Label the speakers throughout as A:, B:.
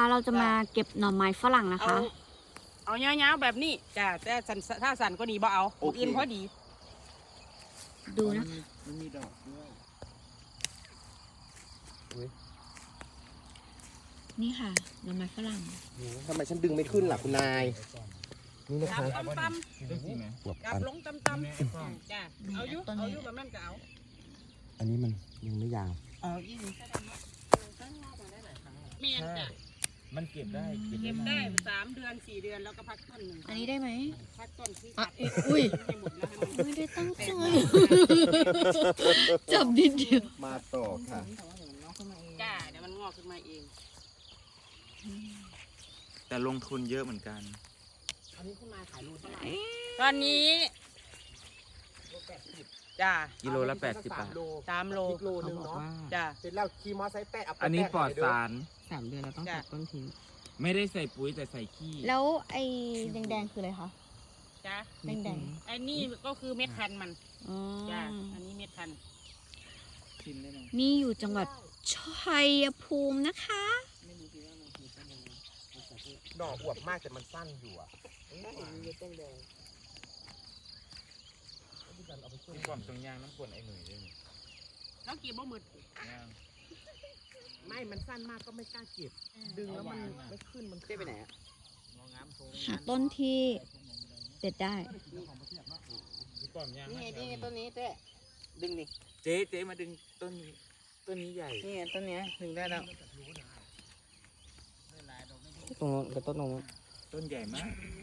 A: เราจะมาเก็บหน่อไม้ฝรั่งนะคะ
B: เอาเงาๆแบบนี้จ้ะแต่ถ้าสั่นก็ดีบ่เอาอื่นพอดี
A: ดูนะ
C: มันมีดอกด้วย
A: นี่ค่ะหน่อไม้ฝรั่ง
C: ทำไมฉันดึงไม่ขึ้นล่ะคุณนายนี่นะ
B: จับ
C: คะ
B: ตำ
C: บวบ
B: ๆจับ
C: อัน
B: ลงตำๆจ้ะเอาอยู่แบบนั้นก็เอา
C: อันนี้มันยังไม่ยาว
B: เอาอีกเมียนจ้ะ
D: มันเก็บได้
B: เก็บได้3 เดือน 4 เดือนแล้วก็พักต้นหนึ่ง
A: อันนี้ได้ไหม
B: พักต้นที่
A: อ่ะ
B: ตัด
A: อุ้ย
B: ให้หมดแล้วให้มัน
A: ไม่ได้ตั้งใจจับนิดเดียว
C: มาต่อค่ะ
B: จ้าเดี๋ยวมันงอกขึ้นมาเอง
D: แต่ลงทุนเยอะเหมือนกัน
B: อันนี้ขึ้นมาขายโลเท่าไหร่ตอนนี้จ้า
D: กิโลละ80 บาท
B: 3 โล
C: โลนึงเนาะ
B: จ้า
C: เสร็จแล้วขี่มอไซค์แปะเอาไป
D: อันนี้ปลอดสาร
B: 3 เดือนเราต้องตัดต้นทิ้ง
D: ไม่ได้ใส่ปุ๋ยแต่ใส่ขี้
A: แล้วไอ้แดงๆคืออะไรคะ
B: จ้า
A: แดง
B: ไอ้นี่ก็คือเม็ดพันธุ์มัน
A: ๆอ๋อ
B: จ้าอันนี้เม็ดพันธุ์
D: ชิมได้ไหม
A: นี่อยู่จังหวัดชัยภูมินะคะ
C: ดอกอวบมากแต่มันสั้นอยู่อ่ะ
D: มีความตรงยางน้ำกวนไอ้หนุ่ยด้วยนี่
B: น้องกีบบ่มืด
D: ย่าง
C: ไม่มันสั้นมากก็ไม่กล้าเก็บ ดึงแล้วมันไม่ขึ้นมันเจ๊ไปไหนอ่ะ
A: หาต้นที่เด็ดได้
D: มีความยาง
B: นี่ต้นนี้เต้ดึงนี่
D: เจ๊มาดึงต้นนี้ ต้นนี้ใหญ่
B: นี่ต้นนี้ดึงได้แล้ว
C: ตรงกับต้นนง
D: ต้นใหญ่มาก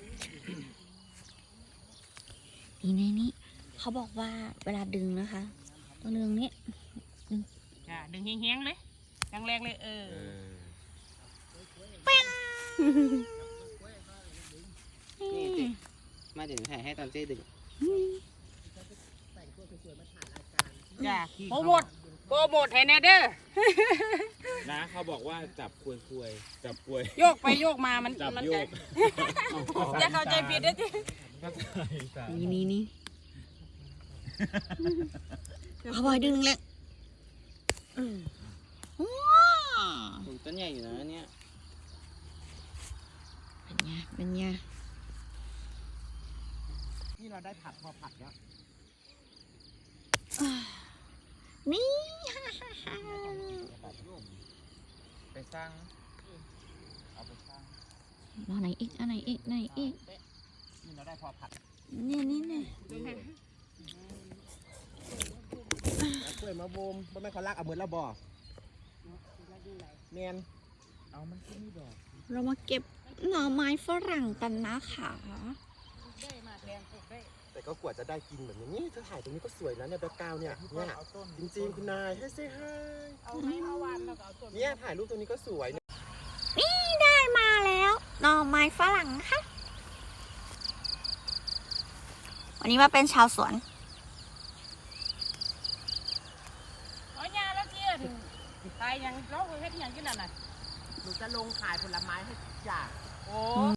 A: นี่ในนี้เขาบอกว่าเวลาดึงนะคะต้องดึงนี้
B: จ้าดึงแห้งๆเลยแรงๆเลย
A: นี่
E: มาถึงถ่ายให้ตอนเจ๊ดึง
B: จ้าโปรโมทให้แน่เด้อ
D: นะเขาบอกว่าจับควยๆจับควย
B: โยกไปโยกมามัน
D: จับ
B: มัน
D: โยก
B: จะเข้าใจผิดนะจี
A: นี่เขาบอกดึงเลยว้าว
E: ต้นใหญ่อยู่นะเนี่ย
A: เป็นไง
C: นี่เราได้ผัดพอผัดแล้ว
A: นี่
D: ไปสร้าง เอาไปสร้าง
A: เอาไหนอีกอันไหนอีกไหนอีก
C: นี่เราได้พอผัด
A: นี่
C: เอากล้วยมาโบมบ่แม่นเขาลากเอาเหมือนเราบ่แมน
D: เอามันก็มีดอก
A: เรามาเก็บหน่อไม้ฝรั่งกันนะคะ
C: แต่ก็กว่าจะได้กินแบบนี้นี่เธอถ่ายตรงนี้ก็สวยนะเนี่ยแบ็คกราวด์เนี่ยจริงๆคุณนายให้เซ่ให้
B: เอาไม้มาวานแล้วก็เอาต้น
C: เนี่ยถ่ายรูปตรงนี้ก็สวย
A: นี่ได้มาแล้วหน่อไม้ฝรั่งนะคะวันนี้มาเป็นชาวสวน
B: เอายาแล้วเจียนตายยังเราเฮ็ดยังกินนั่นน่ะ
C: หนูจะลงขายผลไม้ให้ทุกอย่าง
B: โอ้